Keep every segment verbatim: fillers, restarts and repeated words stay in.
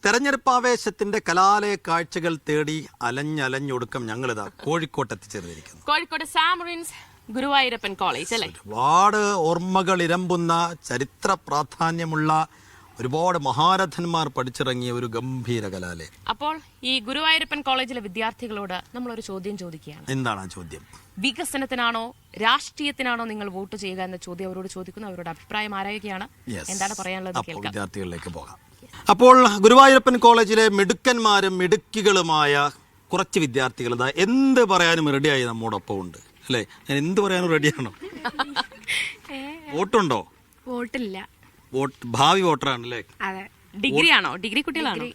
തെരഞ്ഞെടുപ്പ് ആവേശത്തിന്റെ കലാലയ കാഴ്ചകൾ തേടി അലഞ്ഞലഞ്ഞൊടുക്കം ഞങ്ങളിതാ കോഴിക്കോട്ട് എത്തിച്ചേർന്നിരിക്കുന്നു. കോഴിക്കോട് സാമറിൻസ് ഗുരുവായൂരപ്പൻ കോളേജ് അല്ലേ? ഒരുപാട് ഓർമ്മകൾ ഇരമ്പുന്ന ചരിത്ര പ്രാധാന്യമുള്ള ഒരുപാട് മഹാരഥന്മാർ പഠിച്ചിറങ്ങിയ ഒരു ഗംഭീര കലാലയം. അപ്പോൾ ഈ ഗുരുവായൂരപ്പൻ കോളേജിലെ വിദ്യാർത്ഥികളോട് നമ്മളൊരു ചോദ്യം ചോദിക്കുകയാണ്. എന്താണ് ആ ചോദ്യം? വികസനത്തിനാണോ രാഷ്ട്രീയത്തിനാണോ നിങ്ങൾ വോട്ട് ചെയ്യുക എന്ന ചോദ്യം അവരോട് ചോദിക്കുന്നു. അവരുടെ അഭിപ്രായം ആരായുകയാണ്, എന്താണ് പറയാനുള്ളത് കേൾക്കാം. വിദ്യാർത്ഥികളിലേക്ക് പോകാം. അപ്പോൾ ഗുരുവായൂരപ്പൻ കോളേജിലെ മിടുക്കന്മാരും മിടുക്കികളുമായ കുറച്ച് വിദ്യാർത്ഥികൾ ഇതാ എന്ത് പറയാനും റെഡിയായി നമ്മോടൊപ്പം ഉണ്ട് അല്ലേ? ഞാൻ എന്ത് പറയാനും റെഡിയാണോ? വോട്ടുണ്ടോ? വോട്ടില്ല. വോട്ട് ഭാവി വോട്ടറാണല്ലേ? ഡിഗ്രി ആണോ? ഡിഗ്രി കുട്ടികളാണോ?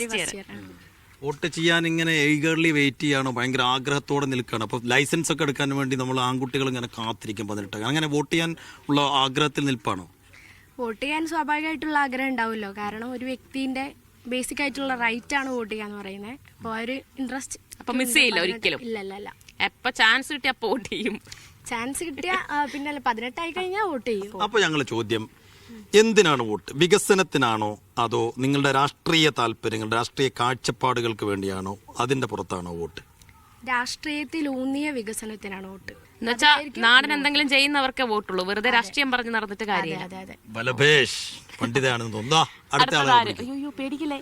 വോട്ട് ചെയ്യാൻ ഇങ്ങനെ ഈഗർലി വെയിറ്റ് ചെയ്യാണോ? ഭയങ്കര ആഗ്രഹത്തോടെ നിൽക്കുകയാണ്. അപ്പോൾ ലൈസൻസ് ഒക്കെ എടുക്കാൻ വേണ്ടി നമ്മൾ ആൺകുട്ടികൾ ഇങ്ങനെ കാത്തിരിക്കും പതിനെട്ട്. അങ്ങനെ വോട്ട് ചെയ്യാൻ ഉള്ള ആഗ്രഹത്തിൽ നിൽപ്പാണോ? വോട്ട് ചെയ്യാൻ സ്വാഭാവികമായിട്ടുള്ള ആഗ്രഹം ഉണ്ടാവുമല്ലോ. കാരണം ഒരു വ്യക്തിന്റെ ബേസിക് ആയിട്ടുള്ള റൈറ്റ് ആണ് വോട്ട് ചെയ്യാന്ന് പറയുന്നത്. അപ്പോൾ ആ ഒരു ഇൻട്രസ്റ്റ് അപ്പൊ മിസ് ചെയ്യില്ല ഒരിക്കലും? ഇല്ല ഇല്ല ഇല്ല. എപ്പോ ചാൻസ് കിട്ടിയ വോട്ട് ചെയ്യും. ചാൻസ് കിട്ടിയ പിന്നെ പതിനെട്ടായി കഴിഞ്ഞാൽ വോട്ട് ചെയ്യും. അപ്പൊ ഞങ്ങൾ ചോദ്യം, എന്തിനാണ് വോട്ട്? വികസനത്തിനാണോ അതോ നിങ്ങളുടെ രാഷ്ട്രീയ താല്പര്യങ്ങൾ, രാഷ്ട്രീയ കാഴ്ചപ്പാടുകൾക്ക് വേണ്ടിയാണോ? അതിന്റെ പുറത്താണോ വോട്ട്? രാഷ്ട്രീയത്തിൽ ഊന്നിയ വികസനത്തിനാണ് വോട്ട്. എന്നുവെച്ചാൽ നാടിന് എന്തെങ്കിലും ചെയ്യുന്നവർക്ക് വോട്ടുള്ളൂ, വെറുതെ രാഷ്ട്രീയം പറഞ്ഞ് നടന്നിട്ട് കാര്യമില്ല. ബലഭേഷ് പണ്ഡിതയാണെന്ന് തോന്നുന്നു. അടുത്ത ആളെ അയ്യോ പേടിക്കില്ലേ,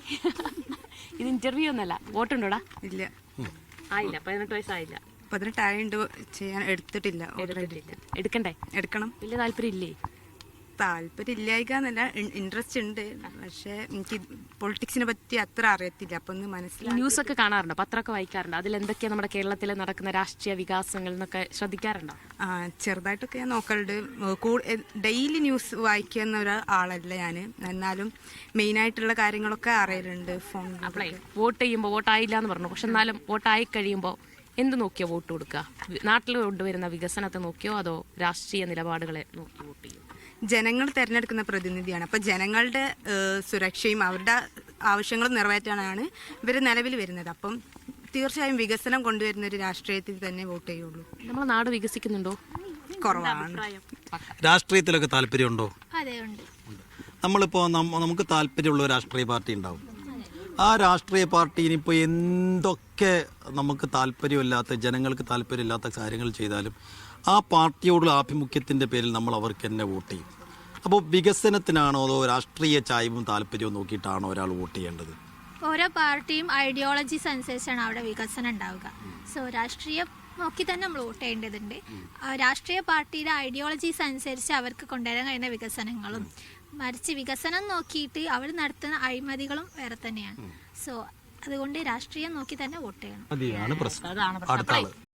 ഇത് ഇന്റർവ്യൂ ഒന്നല്ല. വോട്ടുണ്ടോടാ? ഇല്ല, ആയില്ല. പതിനെട്ട് വയസ്സായില്ല. പതിനെട്ടായിട്ട് ചെയ്യാൻ എടുത്തിട്ടില്ല. എടുക്കണ്ടേ? എടുക്കണം. വലിയ താല്പര്യം ഇല്ലേ? താല്പര്യം ഇല്ലായിക്കാന്നല്ല, ഇൻട്രസ്റ്റ് ഉണ്ട്. പക്ഷെ എനിക്ക് പൊളിറ്റിക്സിനെ പറ്റി അത്ര അറിയത്തില്ല. അപ്പൊ ഒന്ന് മനസ്സിലായി. ന്യൂസ് ഒക്കെ കാണാറുണ്ടോ? പത്രമൊക്കെ വായിക്കാറുണ്ടോ? അതിൽ എന്തൊക്കെയാ നമ്മുടെ കേരളത്തിൽ നടക്കുന്ന രാഷ്ട്രീയ വികാസങ്ങൾ എന്നൊക്കെ ശ്രദ്ധിക്കാറുണ്ടോ? ആ, ചെറുതായിട്ടൊക്കെ ഞാൻ നോക്കലുണ്ട്. ഡെയിലി ന്യൂസ് വായിക്കുന്ന ഒരാളല്ല ഞാൻ. എന്നാലും മെയിൻ ആയിട്ടുള്ള കാര്യങ്ങളൊക്കെ അറിയലുണ്ട് ഫോൺ. അപ്പളേ വോട്ട് ചെയ്യുമ്പോൾ വോട്ടായില്ല എന്ന് പറഞ്ഞു, പക്ഷെ എന്നാലും വോട്ടായി കഴിയുമ്പോൾ എന്ത് നോക്കിയോ വോട്ട് കൊടുക്കുക? നാട്ടിൽ കൊണ്ടുവരുന്ന വികസനത്തെ നോക്കിയോ അതോ രാഷ്ട്രീയ നിലപാടുകളെ നോക്കി വോട്ട് ചെയ്യും? ജനങ്ങൾ തെരഞ്ഞെടുക്കുന്ന പ്രതിനിധിയാണ്. അപ്പോൾ ജനങ്ങളുടെ സുരക്ഷയും അവരുടെ ആവശ്യങ്ങളും നിറവേറ്റാനാണ് ഇവർ നിലവിൽ വരുന്നത്. അപ്പം തീർച്ചയായും വികസനം കൊണ്ടുവരുന്ന ഒരു രാഷ്ട്രീയത്തിൽ തന്നെ വോട്ട് ചെയ്യുള്ളൂ. നമ്മുടെ നാട് വികസിക്കുന്നുണ്ടോ? കുറവാണ്. രാഷ്ട്രീയത്തിലൊക്കെ താല്പര്യമുണ്ടോ? അതെ, ഉണ്ട്. നമ്മളിപ്പോൾ നമുക്ക് താല്പര്യമുള്ള ഒരു രാഷ്ട്രീയ പാർട്ടി ഉണ്ടാവും. ആ രാഷ്ട്രീയ പാർട്ടി ഇനിയിപ്പോൾ എന്തൊക്കെ നമുക്ക് താല്പര്യമില്ലാത്ത, ജനങ്ങൾക്ക് താല്പര്യമില്ലാത്ത കാര്യങ്ങൾ ചെയ്താലും ആ പാർട്ടിയോടുള്ള ആഭിമുഖ്യത്തിൻ്റെ പേരിൽ നമ്മൾ അവർക്ക് തന്നെ വോട്ട് ചെയ്യും. അപ്പോൾ വികസനത്തിനാണോ അതോ രാഷ്ട്രീയ ചായ്വും താല്പര്യവും നോക്കിയിട്ടാണോ ഒരാൾ വോട്ട് ചെയ്യേണ്ടത്? ഓരോ പാർട്ടിയും ഐഡിയോളജീസ് അനുസരിച്ചാണ് അവിടെ വികസനം ഉണ്ടാവുക. സോ രാഷ്ട്രീയം നോക്കി തന്നെ നമ്മൾ വോട്ട് ചെയ്യേണ്ടതുണ്ട്. രാഷ്ട്രീയ പാർട്ടിയുടെ ഐഡിയോളജീസ് അനുസരിച്ച് അവർക്ക് കൊണ്ടുവരാൻ കഴിയുന്ന വികസനങ്ങളും, മറിച്ച് വികസനം നോക്കിയിട്ട് അവർ നടത്തുന്ന അഴിമതികളും വേറെ തന്നെയാണ്. സോ അതുകൊണ്ട് രാഷ്ട്രീയം നോക്കി തന്നെ വോട്ട് ചെയ്യണം. അതാണ് പ്രശ്നം. അടുത്ത ആള്.